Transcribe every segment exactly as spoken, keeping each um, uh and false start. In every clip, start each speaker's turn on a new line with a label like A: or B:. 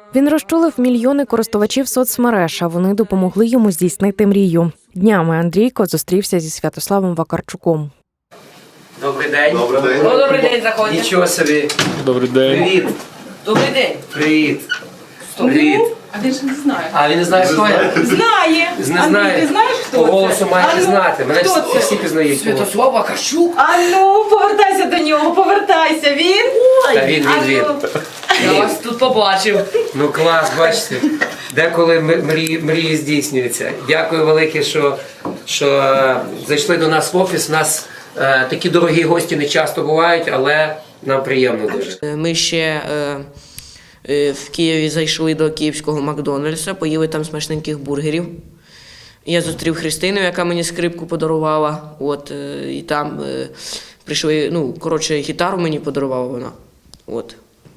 A: Він розчулив мільйони користувачів соцмереж, а вони допомогли йому здійснити мрію. Днями Андрійко зустрівся зі Святославом Вакарчуком.
B: Добрий день.
C: Добрий день.
D: Ну, добрий день, заходьте.
B: Нічого собі.
C: Добрий день.
B: Привіт.
D: Добрий день.
B: Привіт. Привіт.
D: А він ж не знає.
B: А він не знає, хто я?
D: Знає.
B: Не
D: Андрій,
B: знає.
D: ти знаєш, хто
B: По
D: це?
B: голосу маєте
D: А ну,
B: знати. Мене
D: хто
B: всі,
D: це?
B: всі пізнають.
D: Святослав Вакарчук? А ну, повертайся до нього, повертайся. Він?
B: Та він,
D: А
B: він, він.
D: ну. Я вас тут побачив.
B: Ну клас, бачите. Деколи мрії, мрії здійснюються. Дякую велике, що, що е, зайшли до нас в офіс. У нас е, такі дорогі гості не часто бувають, але нам приємно дуже.
E: Ми ще е, е, в Києві зайшли до київського Макдональдса, поїли там смачненьких бургерів. Я зустрів Христину, яка мені скрипку подарувала. От, е, і там е, прийшли, ну, коротше, гітару мені подарувала вона. От.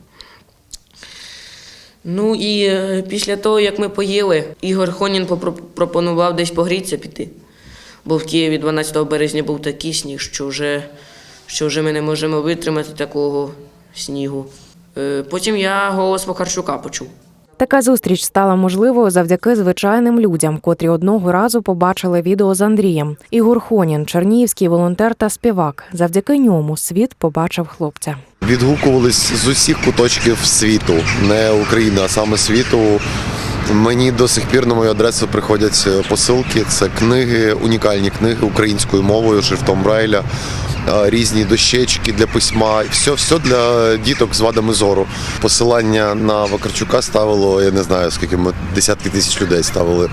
E: Ну і е, після того, як ми поїли, Ігор Хонін пропонував десь погрітися піти. Бо в Києві дванадцятого березня був такий сніг, що вже, що вже ми не можемо витримати такого снігу. Е, потім я голос Вакарчука почув.
A: Така зустріч стала можливою завдяки звичайним людям, котрі одного разу побачили відео з Андрієм. Ігор Хонін – чернігівський волонтер та співак. Завдяки ньому світ побачив хлопця.
C: Відгукувались з усіх куточків світу, не України, а саме світу. Мені до сих пір на мою адресу приходять посилки. Це книги, унікальні книги українською мовою, шрифтом Брайля, різні дощечки для письма. Все, все для діток з вадами зору. Посилання на Вакарчука ставило, я не знаю, скільки ми, десятки тисяч людей ставили.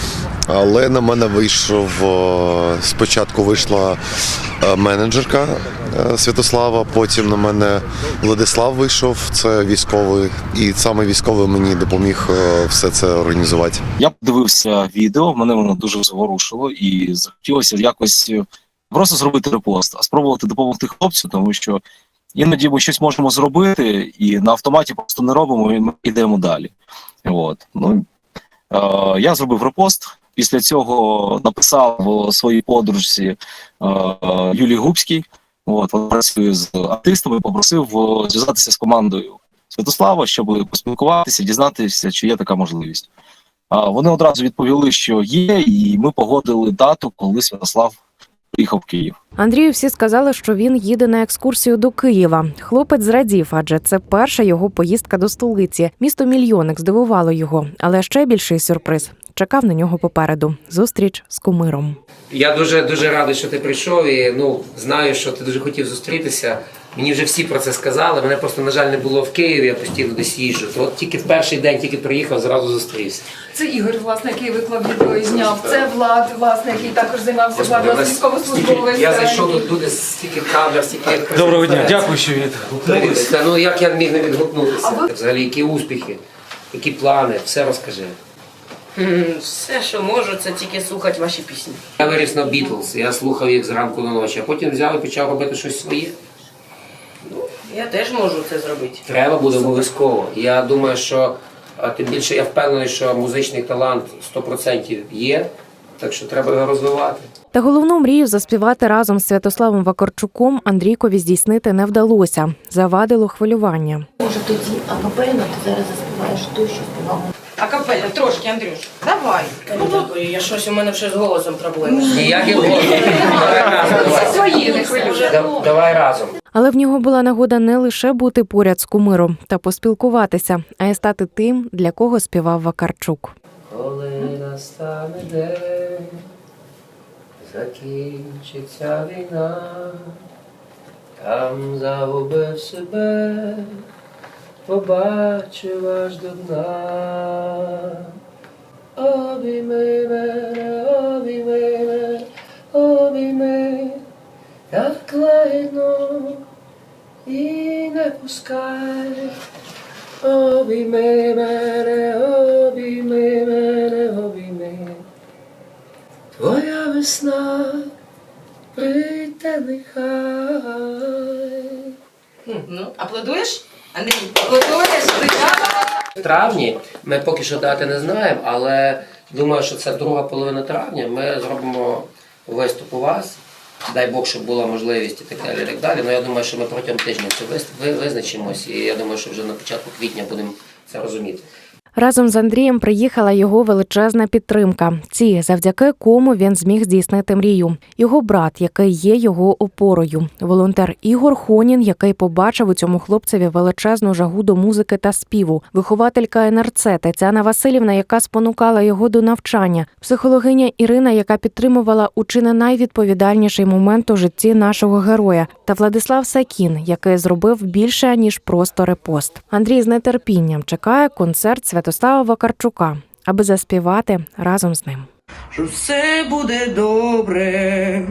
C: Але на мене вийшов, спочатку вийшла менеджерка Святослава, потім на мене Владислав вийшов, це військовий, і саме військовий мені допоміг все це організувати.
F: Я подивився відео, мене воно дуже зворушило і захотілося якось просто зробити репост, а спробувати допомогти хлопцю, тому що іноді ми щось можемо зробити і на автоматі просто не робимо, і ми йдемо далі. От. Ну, е, я зробив репост. Після цього написав своїй подружці е, Юлії Губській, от, вона працює з артистами, попросив зв'язатися з командою Святослава, щоб поспілкуватися, дізнатися, чи є така можливість. А вони одразу відповіли, що є, і ми погодили дату, коли Святослав приїхав в Київ.
A: Андрію всі сказали, що він їде на екскурсію до Києва. Хлопець зрадів, адже це перша його поїздка до столиці. Місто-мільйонник здивувало його, але ще більший сюрприз чекав на нього попереду – зустріч з кумиром.
B: Я дуже дуже радий, що ти прийшов, і ну знаю, що ти дуже хотів зустрітися. Мені вже всі про це сказали. Мене просто, на жаль, не було в Києві, я постійно десь їжджу. То от тільки в перший день, тільки приїхав, зразу зустрівся.
D: Це Ігор, власне, який виклав відео і зняв. Це Влад, власне, який також займався Влад, військовослужбовець.
B: Я зайшов тут, люди стільки камер, стільки...
G: Доброго дня, дякую, що відгукнулись.
B: Ну як я міг не відгукнутися? Взагалі, які успіхи, які плани, все розкажи.
E: Все, що можу, це тільки слухати ваші пісні.
B: Я виріс на Бітлз, я слухав їх зранку до ночі, а потім взяв і почав робити щось своє.
E: Я теж можу це зробити.
B: Треба буде обов'язково. Я думаю, що а тим більше я впевнений, що музичний талант сто відсотків є, так що треба його розвивати.
A: Та головну мрію заспівати разом з Святославом Вакарчуком Андрійкові здійснити не вдалося. Завадило хвилювання.
H: Може тоді акапельно ти зараз заспіваєш ту, що співав.
D: Акапельно, трошки, Андрюш. Давай.
E: Ну, дякую, я щось, у мене вже з голосом проблеми.
B: Ніяких голосів. Давай разом. Давай.
D: Свої не хвилюй.
B: Да- Давай разом.
A: Але в нього була нагода не лише бути поряд з кумиром та поспілкуватися, а й стати тим, для кого співав Вакарчук.
B: Коли настане день, закінчиться війна, там загубив себе, побачив аж до дна. Обійми мене, обійми мене, обійми, як лагідно, і не пускай. Обійми мене, обійми мене, обійми. Твоя весна прийде нехай.
D: Ну, аплодуєш? Андрій, аплодуєш?
B: В травні ми поки що дати не знаємо, але думаю, що це друга половина травня. Ми зробимо виступ у вас. Дай Бог, щоб була можливість і так далі, і так далі. Ну, я думаю, що ми протягом тижня це визначимось, і я думаю, що вже на початку квітня будемо це розуміти.
A: Разом з Андрієм приїхала його величезна підтримка. Ці, завдяки кому він зміг здійснити мрію. Його брат, який є його опорою. Волонтер Ігор Хонін, який побачив у цьому хлопцеві величезну жагу до музики та співу. Вихователька ен ер це Тетяна Васильівна, яка спонукала його до навчання. Психологиня Ірина, яка підтримувала у чи не найвідповідальніший момент у житті нашого героя. Та Владислав Сакін, який зробив більше, ніж просто репост. Андрій з нетерпінням чекає концерт Святослава Вакарчука, аби заспівати разом з ним.
I: Що все буде добре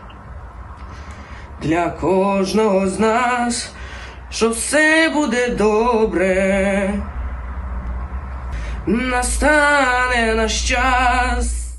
I: для кожного з нас, що все буде добре, настане наш час.